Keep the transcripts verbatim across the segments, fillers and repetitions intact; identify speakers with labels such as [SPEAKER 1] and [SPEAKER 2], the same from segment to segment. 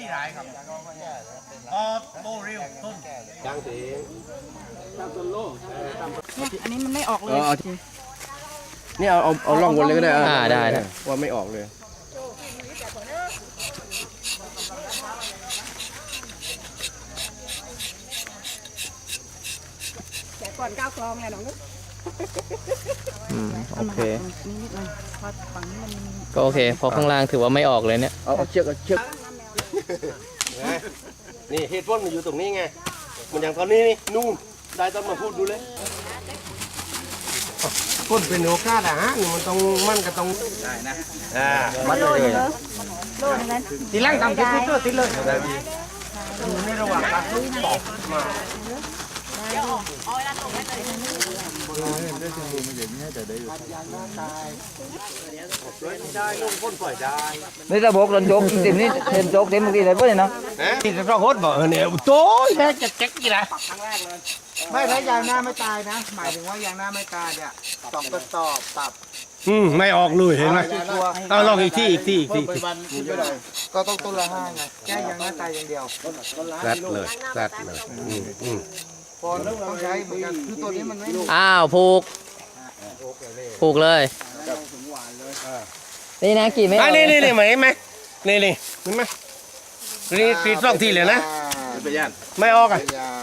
[SPEAKER 1] รายครับออโบริวต้นยังตี
[SPEAKER 2] อันนี้มันไม่ออกเลย
[SPEAKER 3] นี่เอาเอาเอาล่องวนเลยก็ได้
[SPEAKER 4] อ่าได้ได้
[SPEAKER 3] ว่าไม่ออกเลย
[SPEAKER 2] แต่ก่อนก้าวคลองไงน้องนุ๊ก
[SPEAKER 4] อืมโอเค
[SPEAKER 2] นี่นิดหน่อยพอฝั่งนี้มัน
[SPEAKER 4] ก็โอเคพอข้างล่างถือว่าไม่ออกเลยเนี่ย
[SPEAKER 3] เอาเชือกเอาเชือกนี่เหตุผลมันอยู่ตรงนี้ไงมันอย่างตอนนี้นี่นู่นได้ต้องมาพูดดูเลยพูดเป็นโอกาสอ่ะฮะนี่มันต้องมั่นก็ต้องได้นะอ่ามัดเลย
[SPEAKER 2] โลดนั้น
[SPEAKER 1] ตีล่างทำติดติดตัวติดเลยอยู่ในระหว่างการตอบมา
[SPEAKER 4] นี่ระบบรถโจ๊กเต็มนี่เต็มโจ๊กเต็มเมื่อกี้เลยเพื่อนเนาะ
[SPEAKER 1] ที่จะต้องโคตรบอกเนี่ยโต้ยแม่จะแจ๊กกี่ละ
[SPEAKER 5] ไม่ถ้ายางหน้าไม่ตายนะหมายถึงว่ายางหน้าไม่ตายเนี่ยสองกระสอบปรับ
[SPEAKER 1] อืมไม่ออกเลยเห็นไหมเอาลองอีกที่อีกที่อีกที่
[SPEAKER 5] ก็ต้องต้นละห้าไงแค่ยางหน้าตายอย่างเดียว
[SPEAKER 3] แซดเลยแซดเลย
[SPEAKER 5] พอต้องใช้เหมือนกันคือตัวนี้มันไม่
[SPEAKER 4] อ้าวผูกผูกเลยนี่นะกี่ไม่ออก
[SPEAKER 1] นี่นี่นี่ไหมไหมนี่นี่เห็นไหมนี่ตีสองทีเลยนะไม่ออกอ่ะ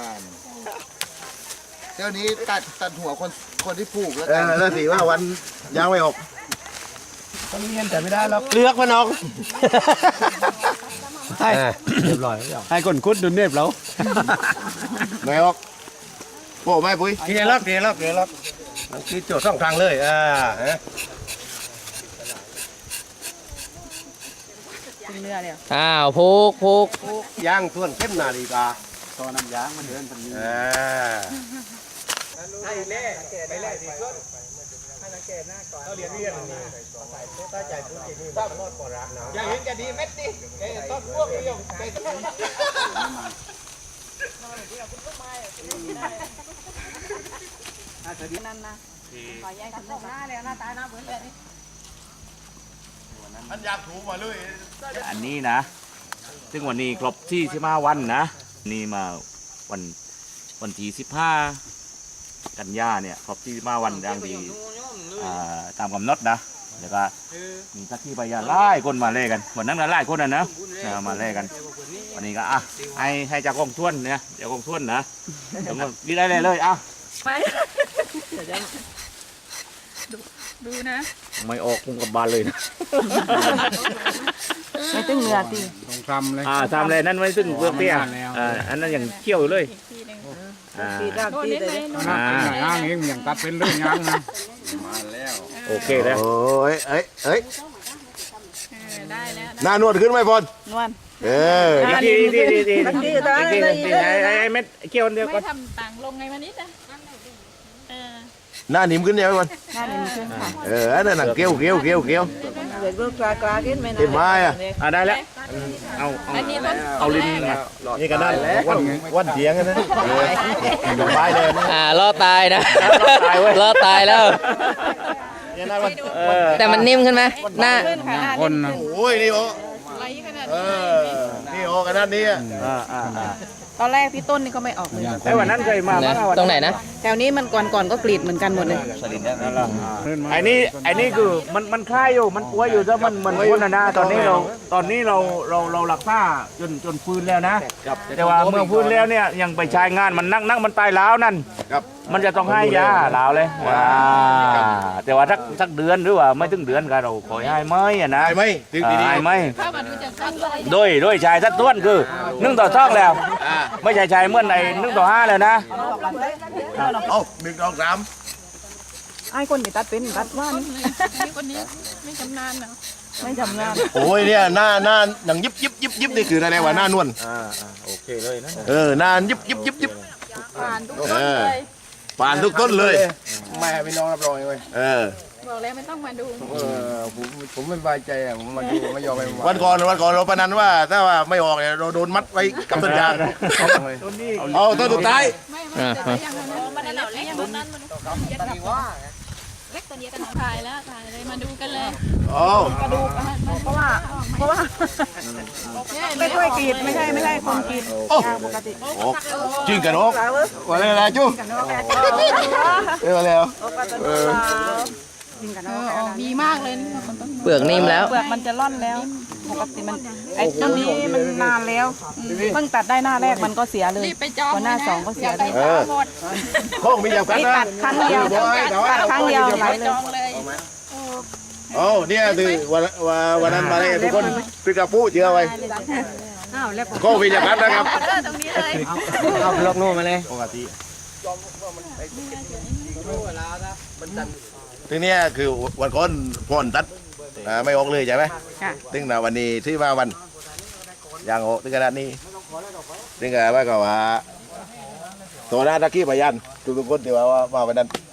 [SPEAKER 5] เดี๋ยวนี้ตัดตัดหัวคนคนที่ผูกแล้ว
[SPEAKER 3] เออแล้วสิว่าวันยางไม่ออก
[SPEAKER 1] ต้องเงียบแต่ไม่ได้หรอกเลือกมันออกใช่เรียบร้อยให้คนคุดดูเนียบแล้ว
[SPEAKER 3] ไม่ออกโอ้ไม่ปุ้ย
[SPEAKER 1] เกลียร์ล็อกเกลียร์ล็อกเกลียร์ล็อกคือโจทย์สองทางเลยอ่า
[SPEAKER 2] เรือเลย
[SPEAKER 4] อ้าวผูกผูก
[SPEAKER 1] ย่างส่วนเข้มนาฬิกา
[SPEAKER 5] ตอนน้ำยางมันเดินพันนี้
[SPEAKER 1] อ่า
[SPEAKER 5] ให้เล่ไปเล่สีส้นให้สังเกตหน้าก่อนเราเรียนเรียนนี่ตั้งใจพูดจริงนี่บ้านรอดก่อนรักนะอยากเห็นจะดีเม็ดดิเอ้ต้นพวกนี้ยังใจต้น
[SPEAKER 2] อาจจะดีนั่นนะขอแยกกันหน้าเลยหน้าตาหน้าเหมือนเลยนี่
[SPEAKER 1] มันอยากถูมาเลย
[SPEAKER 6] อันนี้นะซึ่งวันนี้ครบที่สิบห้าวันนะนี่มาวันวันที่สิบห้ากันยาเนี่ยครบที่สิบห้าวันดังที่ตามกำหนดนะแล้วก็มีทักที่ไปยาไล่คนมาเล่กันวันนั้นก็ไล่คนนะนะมาเล่กันวันนี้ก็อ่ะให้ให้จากกองท่วนเนี่ยจากกองท่วนนะดีได้เลยเลยอ่ะ
[SPEAKER 2] ไปดูนะ
[SPEAKER 6] ไม่ออกคงกับบานเลยนะ
[SPEAKER 2] ไม่ตึงเหงื่อตี
[SPEAKER 5] ต้องทำเลย
[SPEAKER 6] อ่าทำเลยนั่นไม่ตึงเปลือกเปี้ยอ่าอันนั้นอย่างเขี้ยวอยู่เลย
[SPEAKER 2] ตีด้านตีเลย
[SPEAKER 5] อ่าย่างเองอย่างตัดเป็นเรื่องย่างนะ
[SPEAKER 6] มาแล้วโอเคแล้ว
[SPEAKER 3] โอ้ยเอ้ยเอ้ย
[SPEAKER 2] ได้แล้ว
[SPEAKER 3] หน้านวดขึ้นไหมพอน
[SPEAKER 2] นวด
[SPEAKER 3] เออ
[SPEAKER 6] ดีดีดีดีดีดีไอ้ไอ้เม็ดเขี้ยวเดียวก็
[SPEAKER 2] ไม่ทำต่างลงไงมานิดนะ
[SPEAKER 3] หน้านิ่มขึ้นยังไงพอน
[SPEAKER 2] หน้านิ่มขึ้นค่ะ
[SPEAKER 3] เอออันนั้นเกี้ยวเกี้ยวเกี้ยวเกี้ยว
[SPEAKER 2] เด็กลูกกลากลาขึ้นไหมนะ
[SPEAKER 3] เห็นไหมอ่ะ
[SPEAKER 6] อ่าได้แล้วเอาเอาเอาลิ้น
[SPEAKER 3] นี่ก็ได้วันวันเถียงกันนะดอกไม้เลย
[SPEAKER 4] อ่ารอตายนะรอตายแล้วแต่มันนิ่มขึ้นไหมหน้า
[SPEAKER 3] คนโอ้ยนี่โอ้เออนี่โอ้ขนาดนี้อ่ะ
[SPEAKER 2] ตอนแรกพี่ต้นนี่ก็ไม่ออกเลย
[SPEAKER 6] แต่วันนั้นเคยมา
[SPEAKER 4] ตรงไหนนะ
[SPEAKER 2] แถวนี้มันก่อนก่อนก็กรีดเหมือนกันหมดเลย
[SPEAKER 6] ไอ้นี่ไอ้นี่คือมันมันคลายอยู่มันป่วยอยู่ถ้ามันมันพ้นนะนะตอนนี้เราตอนนี้เราเราเราหลักษาจนจนฟื้นแล้วนะแต่ว่าเมื่อฟื้นแล้วเนี่ยยังไปใช้งานมันนั่งนั่งมันตายแล้วนั่นมันจะต้องให้ยาลาวเลยว้าแต่ว่าสักสักเดือนหรือว่าไม่ถึงเดือนก็เราขอให้ไม่อะนะ
[SPEAKER 3] ให้ไม่ถึงดี
[SPEAKER 6] ให้ไม่โดยโดยชายสัดส่วนคือนึ่งต่อท้องแล้วไม่ใช่ชายเมื่อไหร่นึ่งต่อห้าเลยนะ
[SPEAKER 3] เอาหนึ่งสองสาม
[SPEAKER 2] ไอ้คนที่ตัดเป็นตัดว่านี่คนนี้ไม่ชำนาญนะไม่ชำนาญ
[SPEAKER 3] โอ้ยเนี่ยหน้าหน้าหนังยิบยิบยิบยิบนี่คืออะไรวะหน้านวล
[SPEAKER 6] อ่าโอเคเลยนะ
[SPEAKER 3] เออหน้ายิบยิบยิบยิบ
[SPEAKER 2] ผ่านทุกต้นเลย
[SPEAKER 3] ผ่านทุกต้นเลย
[SPEAKER 5] แม่พี่น้องรับรองเลย
[SPEAKER 3] เออ
[SPEAKER 2] บอกแล้วไม่ต้องมาดู
[SPEAKER 5] เออผมผมไม่สบายใจอ่ะผมมาดูไม่ยอมไป
[SPEAKER 3] วันก่อนวันก่อนเราประนันว่าถ้าว่าไม่ออกเนี่ยเราโดนมัดไว้กับต้นยางเอาต้นสุดท้าย
[SPEAKER 2] ไม่ไม่แต่ยังมันนั่นเราเลี้ยงมันนั่นมันเล็กตัวถ่ายแล้วถ่ายเลยมาดูกันเลย
[SPEAKER 3] โอ้
[SPEAKER 2] กระดูกเพราะว่าเพราะว่าไม่ช่วยกรีดไม่ใช่ไม่ใช่คนกรีด
[SPEAKER 3] โอ้
[SPEAKER 2] ปกติ
[SPEAKER 3] โอ้จริงกันโอ้วันอะไรจู้เออแล้วเออ
[SPEAKER 2] มีมากเลย
[SPEAKER 4] เปลือกนิ่มแล้ว
[SPEAKER 2] เปลือกมันจะร่อนแล้วปกติมันไอ้ต้นนี้มันนานแล้วเพิ่งตัดได้หน้าแรกมันก็เสียเลยพอหน้าสองก็เสียเลย
[SPEAKER 3] เออห้องมีอย่างกัน
[SPEAKER 2] นี่
[SPEAKER 3] นะ
[SPEAKER 2] ตัดครั้งเดียวตัดครั้งเดียวไหลเลย
[SPEAKER 3] โอ้เนี่ยคือวันวันนั้นมาได้ทุกคนพี่กระปู้เชื่อไว้ก็มีอย่างกันนะครับ
[SPEAKER 2] ตรงนี้เลย
[SPEAKER 4] เอาล็อกโน่มาเลย
[SPEAKER 3] ปกติทีนี้คือวันก่อนพ่นตัดไม่ออกเลยใช่ไหมถึงนะวันนี้ที่ว่าวันอย่างออกถึงขนาดนี้ถึงกับว่าก็ว่าตัวหน้าตะกี้พยันทุกคนที่ว่าว่าวันนั้น